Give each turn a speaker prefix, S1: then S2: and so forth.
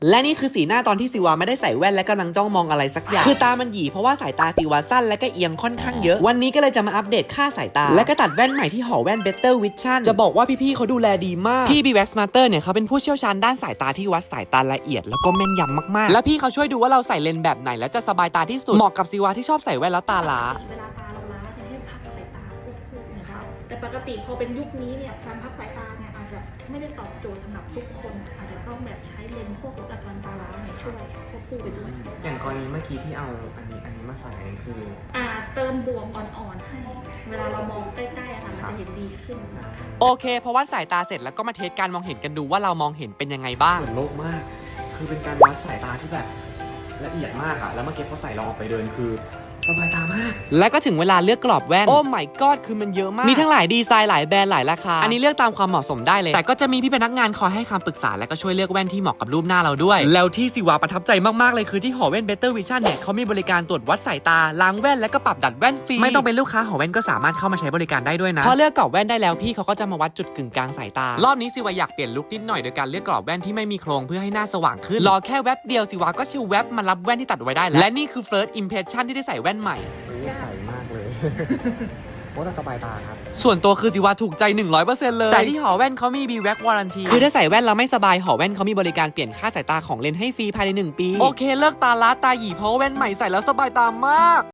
S1: และนี่คือสีหน้าตอนที่ซิวาไม่ได้ใส่แว่นและกำลังจ้องมองอะไรสักอย่างคือตามันหยีเพราะว่าสายตาซิวาสั้นและก็เอียงค่อนข้างเยอะวันนี้ก็เลยจะมาอัปเดตค่าสายตาและก็ตัดแว่นใหม่ที่หอแว่น Better Vision จะบอกว่าพี่ๆเขาดูแลดีมากพี่ B-Wax Master เนี่ยเขาเป็นผู้เชี่ยวชาญด้านสายตาที่วัดสายตาละเอียดแล้วก็แม่นยำมากๆและพี่เขาช่วยดูว่าเราใส่เลนส์แบบไหนแล้วจะสบายตาที่สุดเหมาะกับซิวาที่ชอบใส่แว่นแล้วตาล้า
S2: เวลาตาเราล้าจะให้พักสายตาควบคู่นะคะแต่ปกติพอเป็นยุคนี้เนี่ยการพักสายตาเนี่ยอาจจะไม่ได้ตอบโจทย์สำหรับทุกคนอาจจะต้องแบบใช้เลนส์พวกลดอาการตาล้าเนี่ยช่วยควบคู่ไปด้วย
S3: อย่างกรณีเมื่อกี้ที่เอาอันนี้มาใส่คือ
S2: เติมบวมอ่อนๆให้เวลาเรามองใกล้ๆมันจะเห็นดีขึ้น
S1: โอเคเพราะว่าสายตาเสร็จแล้วก็มาเทสการมองเห็นกันดูว่าเรามองเห็นเป็นยังไงบ้าง
S3: เหมือนโลกมากคือเป็นการวัดสายตาที่แบบละเอียดมากอะแล้วเมื่อกี้พอใส่เราออกไปเดินคือสบายตามาก
S1: และก็ถึงเวลาเลือกกรอบแว่นโอ้ my god คือมันเยอะมากมีทั้งหลายดีไซน์หลายแบรนด์หลายราคาอันนี้เลือกตามความเหมาะสมได้เลยแต่ก็จะมีพี่พนักงานคอยให้คำปรึกษาและก็ช่วยเลือกแว่นที่เหมาะกับรูปหน้าเราด้วยแล้วที่ซิวาประทับใจมากๆเลยคือที่หอแว่น Better Vision เนี่ยเขามีบริการตรวจวัดสายตาล้างแว่นและก็ปรับดัดแว่นฟรีไม่ต้องเป็นลูกค้าหอแว่นก็สามารถเข้ามาใช้บริการได้ด้วยนะพอเลือกกรอบแว่นได้แล้วพี่เขาก็จะมาวัดจุดกึ่งกลางสายตารอบนี้ซิวาอยากเปลี่ยนลุคนิดหน่อยโดยการเลือกกรอบแว่นที่ไม่มีโครงเพื่อให้หน้าสว่างขึ้นรอแค่แวบเดียวซิวาก็ชิลแวบมารับแว่นที่ตัดไว้ได้แล้วและนี่คือ first impression ที่ได้ใส่แว่นใหม่
S3: ใส่มากเลยเพราะว่าสบายตาครับ
S1: ส่วนตัวคือซิวาถูกใจ 100% เลยแต่ที่หอแว่นเขามี B-Wax Warranty คือถ้าใส่แว่นเราไม่สบายหอแว่นเขามีบริการเปลี่ยนค่าสายตาของเลนส์ให้ฟรีภายใน1 ปีโอเคเลิกตาล้าตาหยีเพราะแว่นใหม่ใส่แล้วสบายตามาก